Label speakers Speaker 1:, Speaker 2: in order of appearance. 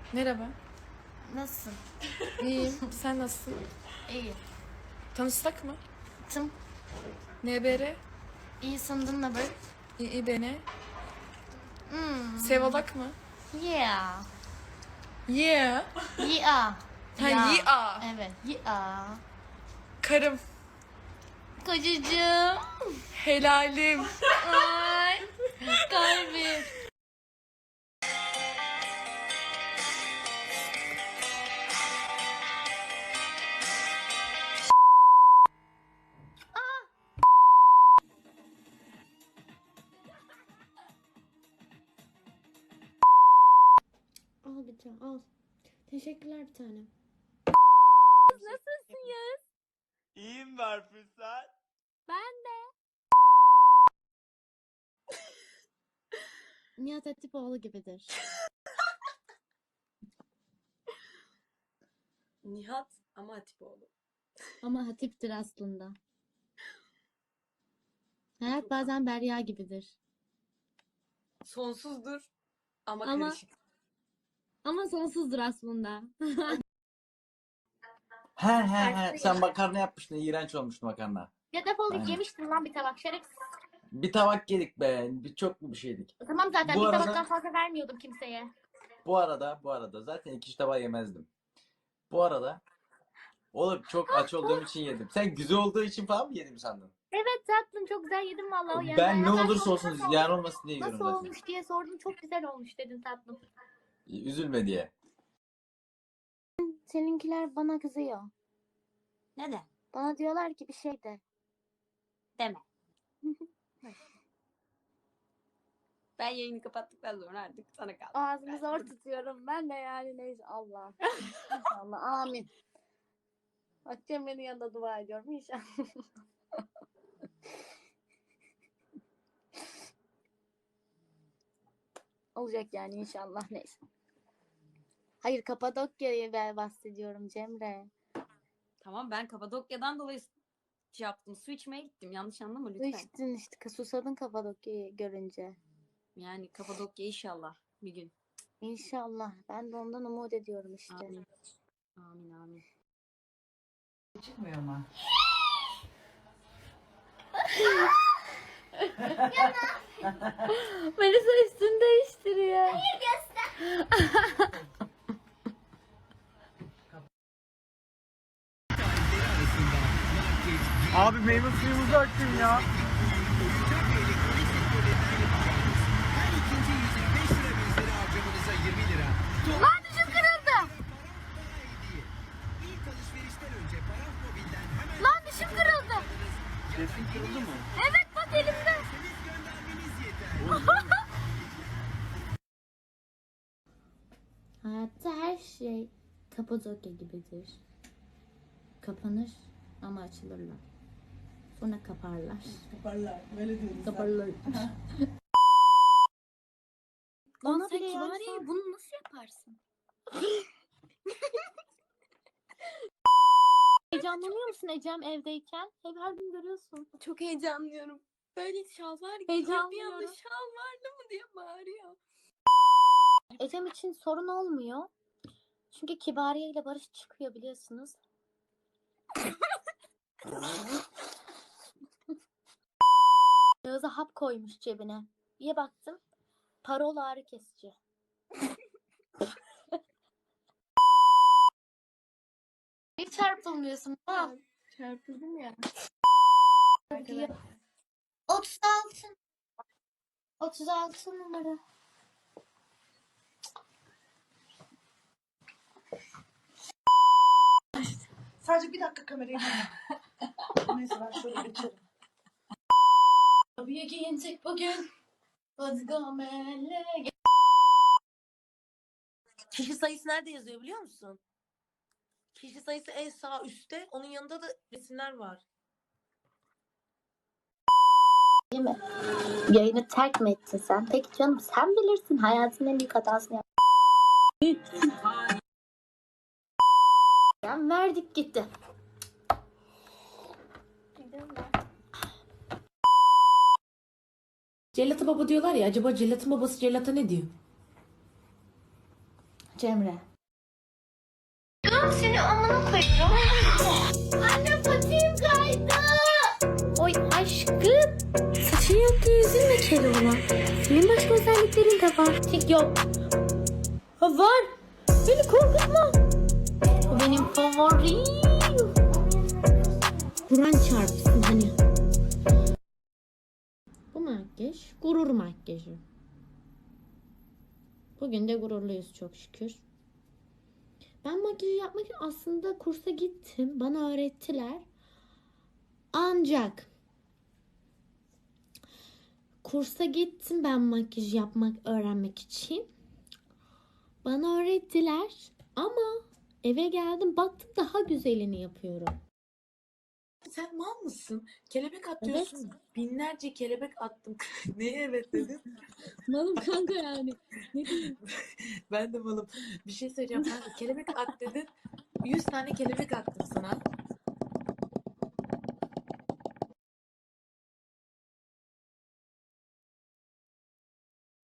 Speaker 1: Merhaba.
Speaker 2: Nasılsın?
Speaker 1: İyiyim. Sen nasılsın?
Speaker 2: İyi.
Speaker 1: Tanışsak mı?
Speaker 2: Tım.
Speaker 1: NBR?
Speaker 2: İyi sandın ne böyle?
Speaker 1: İBN? Sevalak mı?
Speaker 2: Yeah.
Speaker 1: Yeah.
Speaker 2: Yeah.
Speaker 1: Ha, yeah.
Speaker 2: Evet. Yeah.
Speaker 1: Karım.
Speaker 2: Kocacığım.
Speaker 1: Helalim.
Speaker 2: Ay. Kalbim.
Speaker 3: Al bir tane al. Teşekkürler bir tanem.
Speaker 2: Nasılsın Yağız?
Speaker 4: İyiyim Berfin sen.
Speaker 2: Ben de.
Speaker 3: Nihat Hatipoğlu gibidir.
Speaker 5: Nihat ama Hatipoğlu.
Speaker 3: Ama hatiptir aslında. Hayat bazen Derya gibidir.
Speaker 5: Sonsuzdur ama
Speaker 3: Ama-
Speaker 5: karışık.
Speaker 3: Ama sonsuzdur aslında.
Speaker 4: He. Sen makarna yapmıştın. İğrenç olmuştu makarna.
Speaker 2: Ya defol git,
Speaker 4: Aynen.
Speaker 2: yemiştin lan bir tabak şerefsiz.
Speaker 4: Bir tabak yedik be. Çok mu bir şeydik?
Speaker 2: Tamam zaten
Speaker 4: Bu
Speaker 2: bir
Speaker 4: arada-
Speaker 2: tabaktan fazla vermiyordum kimseye.
Speaker 4: Bu arada zaten 2 tabağı yemezdim. Bu arada oğlum çok aç olduğum için yedim. Sen güzel olduğu için falan mı yedim sandın?
Speaker 2: Evet tatlım, çok güzel yedim vallahi. Yani
Speaker 4: Ben ne
Speaker 2: hatta
Speaker 4: olursa
Speaker 2: sordum,
Speaker 4: olsun
Speaker 2: nasıl
Speaker 4: ziyan olmasın diye yiyorum
Speaker 2: Nasıl
Speaker 4: zaten.
Speaker 2: olmuş diye sordum, çok güzel olmuş dedin tatlım.
Speaker 4: Üzülme diye.
Speaker 3: Seninkiler bana kızıyor.
Speaker 2: Neden?
Speaker 3: Bana diyorlar ki bir şey de.
Speaker 2: Deme.
Speaker 5: Ben yayını kapattıktan sonra artık sana kaldı.
Speaker 3: Ağzımı zor tutuyorum. Ben de yani neyse Allah. İnşallah. Amin. Bak Cemre'nin yanında dua ediyorum inşallah. Olacak yani inşallah neyse. Hayır Kapadokya'yı ben bahsediyorum Cemre.
Speaker 5: Tamam, ben Kapadokya'dan dolayı şey yaptım. Su içmeye gittim. Yanlış anlama lütfen.
Speaker 3: İçtin işte susadın Kapadokya'yı görünce.
Speaker 5: Yani Kapadokya inşallah bir gün.
Speaker 3: İnşallah. Ben de ondan umut ediyorum işte.
Speaker 5: Amin. Amin.
Speaker 6: Çıkmıyor mu?
Speaker 3: Melisa üstünü değiştiriyor.
Speaker 4: Abi meyve suyumuzu açın ya.
Speaker 2: Lan düşüm kırıldı. Lan düşüm kırıldı.
Speaker 4: Sesin kırıldı mı?
Speaker 2: Evet bak elimde.
Speaker 3: Hayatta her şey Kapadokya gibidir. Kapanır ama açılırlar. Sonra kaparlar.
Speaker 6: Kaparlar. Böyle diyoruz.
Speaker 3: Kaparlar.
Speaker 2: Bana
Speaker 3: sen
Speaker 2: bile
Speaker 3: Kibariye,
Speaker 2: yani bunu nasıl yaparsın?
Speaker 3: Heyecanlanıyor musun Ecem evdeyken? Hep her gün görüyorsun.
Speaker 5: Çok heyecanlıyorum. Böyle şalvar gibi.
Speaker 3: Heyecanlıyorum.
Speaker 5: Bir anda şalvarlı mı diye bağırıyor.
Speaker 3: Ecem için sorun olmuyor. Çünkü Kibariye ile Barış çıkıyor biliyorsunuz. Yağız'a hap koymuş cebine. Bir baktım. Parol ağrı kesici.
Speaker 2: Hiç çarpılmıyorsun. Ha.
Speaker 6: Çarpıldım ya.
Speaker 2: 36. 36 numara.
Speaker 6: Sadece bir dakika kamerayı Neyse ben şöyle geçerim.
Speaker 2: Tabii giyinecek bugün. Hadi gamele.
Speaker 7: Kişi sayısı nerede yazıyor biliyor musun? Kişi sayısı en sağ üstte. Onun yanında da resimler var.
Speaker 3: Yayını terk mi ettin sen? Peki canım sen bilirsin hayatın en büyük hatasını yap. Verdik gitti.
Speaker 8: Cellat'a baba diyorlar ya, acaba Cellat'ın babası Cellat'a ne diyor?
Speaker 2: Cemre.
Speaker 8: Seni amına koyacağım. Anne patiğim kaydı. Oy aşkım. Saçın yok diye üzülme Keloğlan. Senin başka özelliklerin de var. Tik yok. Ha var. Beni korkutma. O benim favorim. Kur'an çarpsın hani. Bu makyaj gurur makyajı. Bugün de gururluyuz çok şükür. Ben makyajı yapmak için aslında kursa gittim. Bana öğrettiler. Ancak kursa gittim ben makyaj yapmak, öğrenmek için. Bana öğrettiler ama eve geldim baktım daha güzelini yapıyorum.
Speaker 7: Sen mal mısın? Kelebek atıyorsun. Binlerce kelebek attım. Neye evet dedin?
Speaker 3: Malım kanka yani. Ne diyeyim?
Speaker 7: Ben de malım. Bir şey söyleyeceğim. Kanka kelebek at dedin. 100 tane kelebek attım sana.